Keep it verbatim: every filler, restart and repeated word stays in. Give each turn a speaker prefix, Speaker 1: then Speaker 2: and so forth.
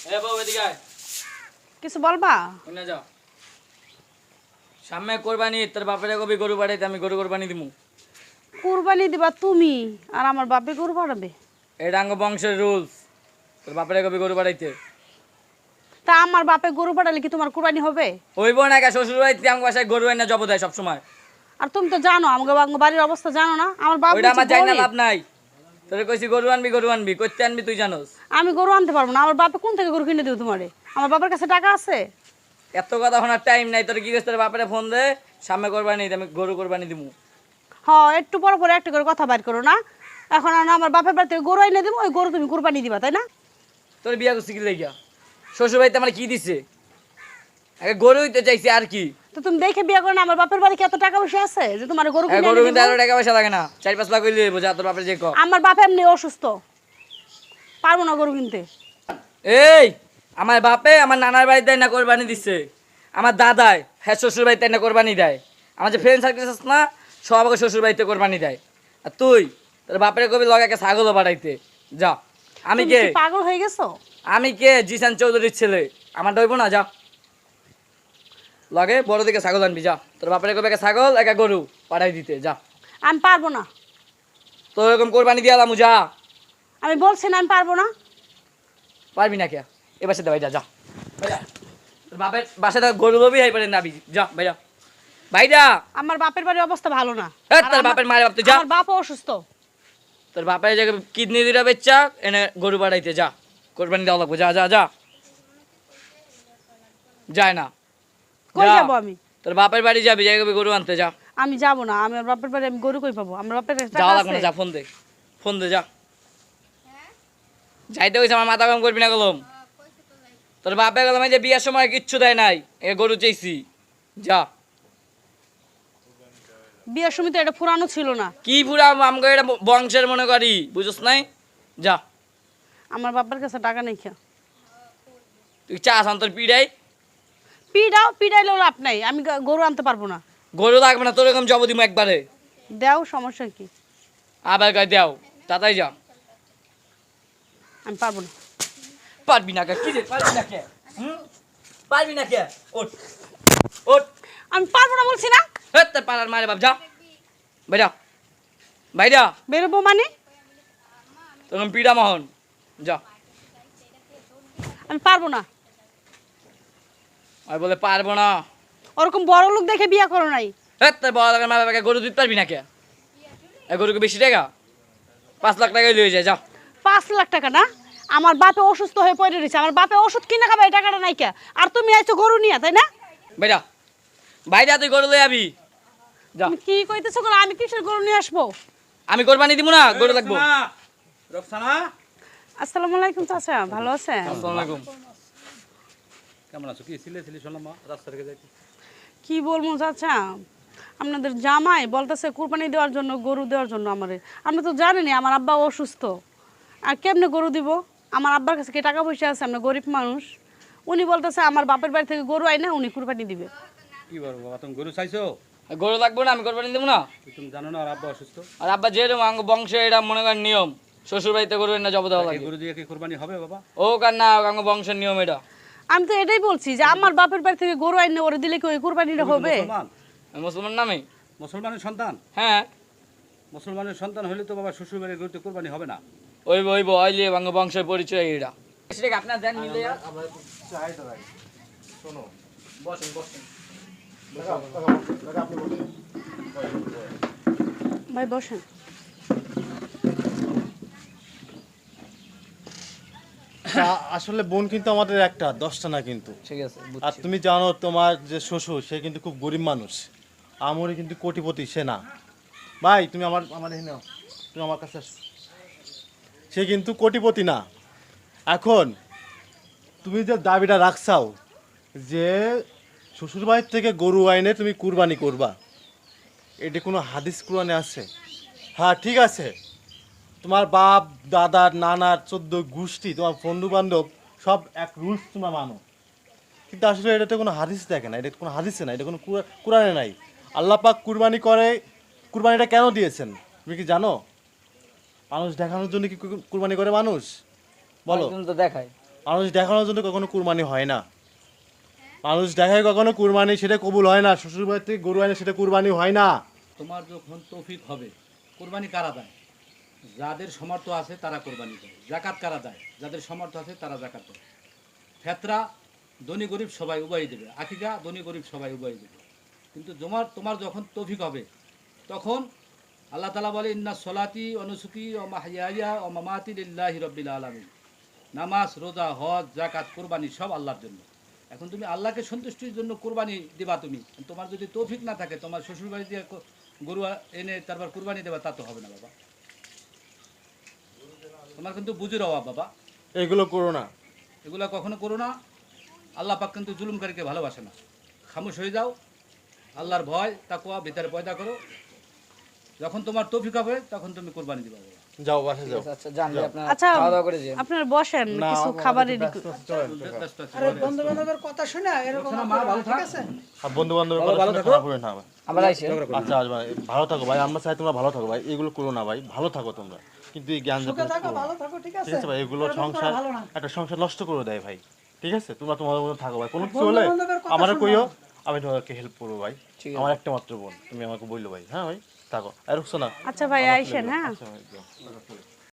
Speaker 1: এ বউ এদিকে আয়।
Speaker 2: কিছু বলবা?
Speaker 1: না যাও। সামনে কোরবানি, তোর বাপের কবি গরু বাড়াইতে আমি গরু কোরবানি দিমু।
Speaker 2: কুরবানি দিবা তুমি আর আমার বাপে গরু বাড়াবে?
Speaker 1: এটা আঙ্গ বংশের রুলস। তোর বাপের কবি গরু বাড়াইতে।
Speaker 2: তা আমার বাপে গরু বাড়ালে কি তোমার কুরবানি হবে?
Speaker 1: হইব না, কা শ্বশুর বাড়িতে আমার বাসায় গরু আইনা জব দেয় সবসময়।
Speaker 2: আর তুমি তো জানো আমাকে আমার বাড়ির অবস্থা জানো না? আমার বাপ
Speaker 1: ওইটা আমার
Speaker 2: হচ্ছে
Speaker 1: জানি না,
Speaker 2: গরিব।
Speaker 1: লাভ নাই। তোরে কইছি গরু আনবি গরু আনবি, কইতে আনবি তুই জানোস।
Speaker 2: আমি গরু আনতে পারবো না। আমার বাপে কোন থেকে গরু কিনে দেবো তোমারে? আমার বাবার কাছে টাকা আছে?
Speaker 1: এত কথা শোনার টাইম নাই। তোর কি কইছ, তোর বাপের ফোন দে, সামনে কোরবানি আমি গরু কোরবানি দিমু।
Speaker 2: হ্যাঁ, একটু পর পর একটা করে কথা বাইর করো না। এখন আর আমার বাপের বাড়ি থেকে গরু এনে দেবো, ওই গরু তুমি কুরবানি দিবা, তাই না?
Speaker 1: তোর বিয়া করছি কি লাগিয়া? শ্বশুর বাড়িতে আমার কি দিছে? আগে গরু হইতে চাইছি আর কি।
Speaker 2: তো তুমি দেখে বিয়ে করো না। আমার বাপের বাড়ি কি এত টাকা পয়সা আছে যে তোমার গরু কিনে
Speaker 1: গরু
Speaker 2: এনে
Speaker 1: কিন্তু
Speaker 2: দিবো?
Speaker 1: এত টাকা পয়সা লাগে না, চার পাঁচ লাখ হইলে বোঝা তোর বাপের যে ক।
Speaker 2: আমার বাপ এমনি অসুস্থ, পারবো না গরু কিনতে।
Speaker 1: এই আমার বাপে আমার নানার বাড়িতে না কোরবানি দিচ্ছে, আমার দাদাই হ্যাঁ শ্বশুর বাড়িতে না কোরবানি দেয়, আমার যে ফ্রেন্ড সার্কেল আছে না সব আমাকে শ্বশুর বাড়িতে কোরবানি দেয়। আর তুই তোর বাপের কবি লগাকে ছাগলও বাড়াইতে যা। আমি
Speaker 2: তুমি
Speaker 1: কে?
Speaker 2: কি পাগল হয়ে গেছো?
Speaker 1: আমি কে? জিসান চৌধুরীর ছেলে, আমার ডইব না। যা লগে বড় দিকে ছাগল আনবি, যা। তোর বাপের কবি একা ছাগল একা গরু পাঠাই দিতে যা।
Speaker 2: আমি পারবো না।
Speaker 1: তোর এরকম কোরবানি দিয়ে আলামু, যা।
Speaker 2: আমি বলছি না আমি পারবো না।
Speaker 1: পারবি না কে? এ বাসাতে ভাই যা, যা ভাইয়া। তোর বাপের বাসাতে গরু লবি হাই পারে নাবি, যা ভাইয়া ভাইরা।
Speaker 2: আমার বাপের বাড়ির অবস্থা ভালো না।
Speaker 1: এ,
Speaker 2: আর
Speaker 1: তোর
Speaker 2: আমার-
Speaker 1: বাপের মায়ের বাপ তুই যা।
Speaker 2: আমার বাপ অসুস্থ।
Speaker 1: তোর বাপের জায়গায় কিডনি দুটা বেচা এনে গরু বাড়াইতে যা, কোরবানি দেওয়া লাগবো, যা যা যা। যায় না,
Speaker 2: কই
Speaker 1: যা।
Speaker 2: যাবো আমি?
Speaker 1: তোর বাপের বাড়ি যাবি, জায়গায় গরু আনতে যা।
Speaker 2: আমি যাবো না। আমার বাপের বাড়ি আমি গরু কই পাবো? আমার বাপের কাছে টাকা
Speaker 1: যাওয়া লাগবে
Speaker 2: আছে?
Speaker 1: না, যা। ফোন দে, ফোন দে, যা। যাইতে হয়েছে আমার মাথা কাম করবি না গেলাম। তোর বাপে গেলাম যে বিয়ার সময় কিচ্ছু দেয় নাই, এ গরু চাইছি, যা।
Speaker 2: বিয়ের সময় তো এটা পুরানো ছিল না।
Speaker 1: কি পুরা আমগো এটা বংশের মনে করি, বুঝছ নাই, যা।
Speaker 2: আমার বাপের কাছে টাকা নেই। খেয়া
Speaker 1: তুই চাস আন তোর পিড়াই।
Speaker 2: পিডাও পিডাইলেও লাভ নাই। আমি গ- গরু আনতে পারবো না।
Speaker 1: গরু লাগবে না, তোর এরকম জব দিমু একবারে।
Speaker 2: দেও, সমস্যা কি?
Speaker 1: আবার গায়ে দেও, তাতাই যা।
Speaker 2: আমি পারবো না।
Speaker 1: পারবি না কে? কি রে পারবি না কে? হুম? পারবি না কে? ওঠ, ওঠ।
Speaker 2: আমি পারবো না বলছি না।
Speaker 1: হে তোর পাড়ার মারে বাপ, যা বাইরা, বাইরা।
Speaker 2: বেরোবো মানে?
Speaker 1: তখন পিড়া মোহন, যা।
Speaker 2: আমি পারবো না।
Speaker 1: আর বলে পারবো না।
Speaker 2: ওরকম বড় লোক দেখে বিয়ে করো নাই।
Speaker 1: হে তোর বড় লাগার মা বাবাকে গরু দিতে পারবি না কে? এই গরুকে বেশি টাকা, পাঁচ লাখ টাকায় লয়ে যায়, যা।
Speaker 2: পাঁচ লাখ টাকা না? আমার বাপে অসুস্থ হয়ে পড়ে রয়েছে। আমার বাপে ওষুধ কিনে খাবে, এই টাকাটা নাই কে? আর তুমি আইছো গরু নিয়ে, তাই না?
Speaker 1: বাইরা, বাইরা তুই গরু লয়ে আবি, যা।
Speaker 2: তুমি কি কইতেছো? গো, আমি কিসের গরু নিয়ে আসবো?
Speaker 1: আমি কোরবানি দিব না, গরু লাগবো।
Speaker 3: রফসানা,
Speaker 2: আসসালামু আলাইকুম চাচা, ভালো আছেন?
Speaker 1: আসসালামু আলাইকুম।
Speaker 3: কেমন আছো? কি ছিলে ছিলে শুনলাম মা রাস্তা থেকে যাইতে।
Speaker 2: কি বলবো চাচা, আপনাদের জামাই বলতেছে কুরবানি দেওয়ার জন্য, গরু দেওয়ার জন্য আমারে। আপনি তো জানেনই আমার আব্বা অসুস্থ। আর কেমনে গরু দিব? আমার আব্বার কাছে কি টাকা পয়সা আছে? আমরা গরিব মানুষ। উনি বলতেছে আমার বাপের বাড়ি থেকে গরু আইনা উনি কুরবানি দিবে।
Speaker 3: কি বলবো বাবা, তুমি গরু চাইছো?
Speaker 1: আর গরু লাগবো না, আমি কোরবানি দেবো না।
Speaker 3: তুমি জানো না আর আব্বা অসুস্থ?
Speaker 1: আর আব্বা যেরকম আঙ্গ বংশে এটা মনে করেন নিয়ম, শ্বশুর বাড়িতে গরু না জব দেওয়া
Speaker 3: এই
Speaker 1: লাগে।
Speaker 3: গরু দিয়ে কি কোরবানি হবে বাবা?
Speaker 1: ও কার না, আঙ্গ বংশের নিয়ম এটা।
Speaker 2: আমি তো এটাই বলছি যে আমার বাপের বাড়ি থেকে গরু আইনা ওরে দিলে কি ওই কুরবানিটা
Speaker 3: তুমি তো
Speaker 2: হবে?
Speaker 3: মুসলমান,
Speaker 1: আমি মুসলমান নামে।
Speaker 3: মুসলমানের সন্তান।
Speaker 1: হ্যাঁ,
Speaker 3: মুসলমানের সন্তান হলে তো বাবা শ্বশুর বাড়ির গরুতে কোরবানি হবে না।
Speaker 1: ওইব ওইব ওইলে আঙ্গ বংশের পরিচয় এটা। সেটা আপনার দেন মিলে বসেন বসেন।
Speaker 2: ভাই বসেন।
Speaker 4: আ- আসলে বোন কিন্তু আমাদের একটা, দশটা না কিন্তু।
Speaker 1: ঠিক আছে,
Speaker 4: আর
Speaker 1: বুঝছি।
Speaker 4: তুমি জানো তোমার যে শ্বশুর সে কিন্তু খুব গরিব মানুষ, আমরে কিন্তু কোটিপতি সে না। ভাই তুমি আমার আমার এখানে নাও, তুমি আমার কাছে আসো। সে কিন্তু কোটিপতি না। এখন তুমি যে দাবিটা রাখছাও যে শ্বশুর বাড়ির থেকে গরু আইনে তুমি কুরবানি করবা, এটি কোনো হাদিস কুরআনে আছে? হ্যাঁ ঠিক আছে, তোমার বাপ দাদার নানার চোদ্দ গোষ্ঠী তোমার বন্ধু বান্ধব সব এক রুলস তোমরা মানো, কিন্তু আসলে এটাতে কোনো হাদিস দেখে না, এটা কোনো হাদিসে না, এটা কোনো কুরআ- কুরআনে নাই। আল্লাহ পাক কুরবানি করে, কুরবানিটা কেন দিয়েছেন তুমি কি জানো? মানুষ দেখানোর জন্য কি কু- কুরবানি করে মানুষ? বলো।
Speaker 1: একজন তো দেখায়।
Speaker 4: মানুষ দেখানোর জন্য কখনো কুরবানি হয় না। মানুষ দেখায় কখনো কুরবানি, সেটা কবুল হয় না। শ্বশুর বাড়ি থেকে গরু আনে, সেটা কুরবানি হয় না।
Speaker 3: তোমার যখন তৌফিক হবে, কোরবানি কারা দেয়? যাদের সামর্থ্য আছে তারা কোরবানি দেয়। জাকাত কারা দেয়? যাদের সামর্থ্য আছে তারা জাকাত দেয়। ফেতরা ধনী গরিব সবাই উভয়ই দেবে, আকিকা ধনী গরিব সবাই উভয়ই দেবে। কিন্তু তোমার তোমার যখন তৌফিক হবে, তখন আল্লাহ তাআলা বলে ইন্না সলাতি অনুসুকি ও মাহইয়া ও মামাতি লিল্লাহি রাব্বিল আলামিন। নামাজ, রোজা, হজ, জাকাত, কোরবানি সব আল্লাহর জন্য। এখন তুমি আল্লাহকে সন্তুষ্টির জন্য কোরবানি দিবা। তুমি তোমার যদি তৌফিক না থাকে, তোমার শ্বশুর বাড়ি দিয়ে ক- গরু এনে তারপর কোরবানি দেবা, তা তো হবে না বাবা। তোমার কিন্তু বুঝির অভাব বাবা,
Speaker 4: এগুলো করো না।
Speaker 3: এগুলা কখনো করো না। আল্লাহ পাক কিন্তু জুলুমকারীকে ভালোবাসে না। খামোশ হয়ে যাও, আল্লাহর ভয় তাকওয়া ভিতরে পয়দা করো। যখন তোমার তৌফিক হবে তখন তুমি কোরবানি দিবা বাবা।
Speaker 4: যাও বাসে যাও।
Speaker 1: আচ্ছা জান ভাই, আপনার
Speaker 2: আচ্ছা
Speaker 1: খাওয়া দাওয়া করে যান।
Speaker 2: আপনারা বসেন,
Speaker 4: না,
Speaker 2: কিছু
Speaker 4: আমাদের
Speaker 2: খাবার
Speaker 4: তো
Speaker 2: রেডি
Speaker 4: ব্যস্ত আছে, চলেন, চলেন।
Speaker 3: ব্যস্ত আছি।
Speaker 5: আরে বন্ধু বান্ধবের কথা শুনে এরকম
Speaker 3: শোনো মা, ভালো থাক।
Speaker 5: ঠিক আছে
Speaker 4: আর বন্ধু বান্ধবের
Speaker 1: ভালো-
Speaker 4: কথা
Speaker 1: ভালো
Speaker 4: শুনে
Speaker 1: থাকো।
Speaker 4: খারাপ হবে না ভাই।
Speaker 1: আবার আইসে
Speaker 4: আচ্ছা আজ ভাই ভালো থাকো ভাই, আমরা চাই তোমরা ভালো থাকো ভাই, এগুলো করো না ভাই, ভালো থাকো তোমরা। কিন্তু এই জ্ঞান
Speaker 5: সুখে থাকো ভালো থাকো ঠিক আছে
Speaker 4: ঠিক আছে ভাই, এগুলো
Speaker 5: এরকম করা
Speaker 4: সংসার
Speaker 5: ভালো না
Speaker 4: একটা সংসার নষ্ট করে দেয় ভাই। ঠিক আছে, তোমরা তোমাদের মতো থাকো ভাই, কোনো কিছু
Speaker 5: বন্ধু
Speaker 4: হলে
Speaker 5: বান্ধবের কথা
Speaker 4: আমারও
Speaker 5: শুনবা
Speaker 4: কইও,
Speaker 5: না।
Speaker 4: আমি তোমাদেরকে হেল্প করবো ভাই।
Speaker 1: ঠিক আছে।
Speaker 4: আমার একটা মাত্র বোন, তুমি আমাকে বললো ভাই। হ্যাঁ ভাই থাকো, আর রুকছো না।
Speaker 2: আচ্ছা ভাই আইসেন, হ্যাঁ
Speaker 4: আচ্ছা ভাই, যাও।